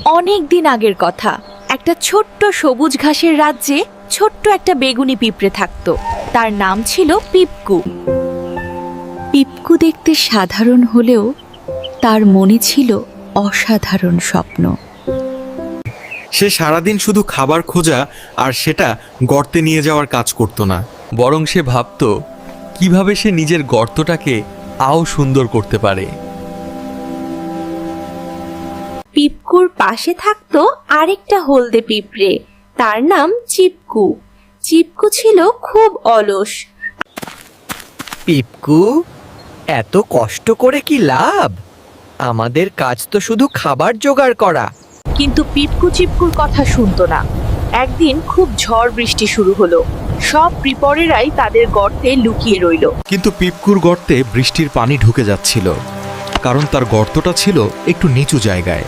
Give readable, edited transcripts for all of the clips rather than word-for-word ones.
অনেক দিন আগের কথা। একটা ছোট্ট সবুজ ঘাসের রাজ্যে ছোট্ট একটা বেগুনি পিঁপড়ে থাকতো। তার নাম ছিল পিপকু। পিপকু দেখতে সাধারণ হলেও তার মনে ছিল অসাধারণ স্বপ্ন। সে সারাদিন শুধু খাবার খোঁজা আর সেটা গর্তে নিয়ে যাওয়ার কাজ করতো না, বরং সে ভাবত কিভাবে সে নিজের গর্তটাকে আরও সুন্দর করতে পারে। পিপকুর পাশে থাকতো আরেকটা হলদে পিঁপড়ে, তার নাম চিপকু। চিপকু ছিল খুব অলস। পিপকু, এত কষ্ট করে কি লাভ? আমাদের কাজ তো শুধু খাবার জোগাড় করা। কিন্তু পিপকু চিপকুর কথা শুনতো না। একদিন খুব ঝড় বৃষ্টি শুরু হলো। সব পিঁপড়েরাই তাদের গর্তে লুকিয়ে রইল। কিন্তু পিপকুর গর্তে বৃষ্টির পানি ঢুকে যাচ্ছিল, কারণ তার গর্তটা ছিল একটু নিচু জায়গায়।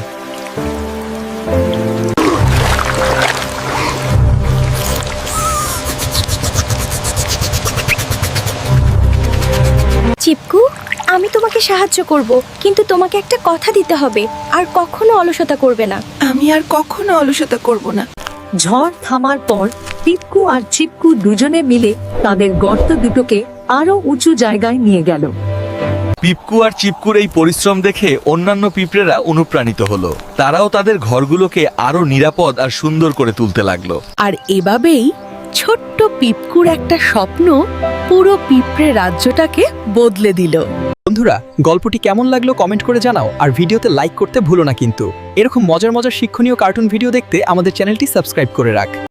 চিপকু, আমি তোমাকে সাহায্য করব, কিন্তু তোমাকে একটা কথা দিতে হবে, আর কখনো অলসতা করবে না। আমি আর কখনো অলসতা করব না। ঝড় থামার পর পিপকু আর চিপকু দুজনে মিলে তাদের গর্ত দুটোকে আরো উঁচু জায়গায় নিয়ে গেল। পিপকু আর চিপকুর এই পরিশ্রম দেখে অন্যান্য পিঁপড়েরা অনুপ্রাণিত হলো। তারাও তাদের ঘরগুলোকে আরো নিরাপদ আর সুন্দর করে তুলতে লাগলো। আর এভাবেই ছোট্ট পিপকুর একটা স্বপ্ন পুরো পিঁপড়ে রাজ্যটাকে বদলে দিল। বন্ধুরা, গল্পটি কেমন লাগলো কমেন্ট করে জানাও, আর ভিডিওতে লাইক করতে ভুলো না কিন্তু। এরকম মজার মজার শিক্ষণীয় কার্টুন ভিডিও দেখতে আমাদের চ্যানেলটি সাবস্ক্রাইব করে রাখ।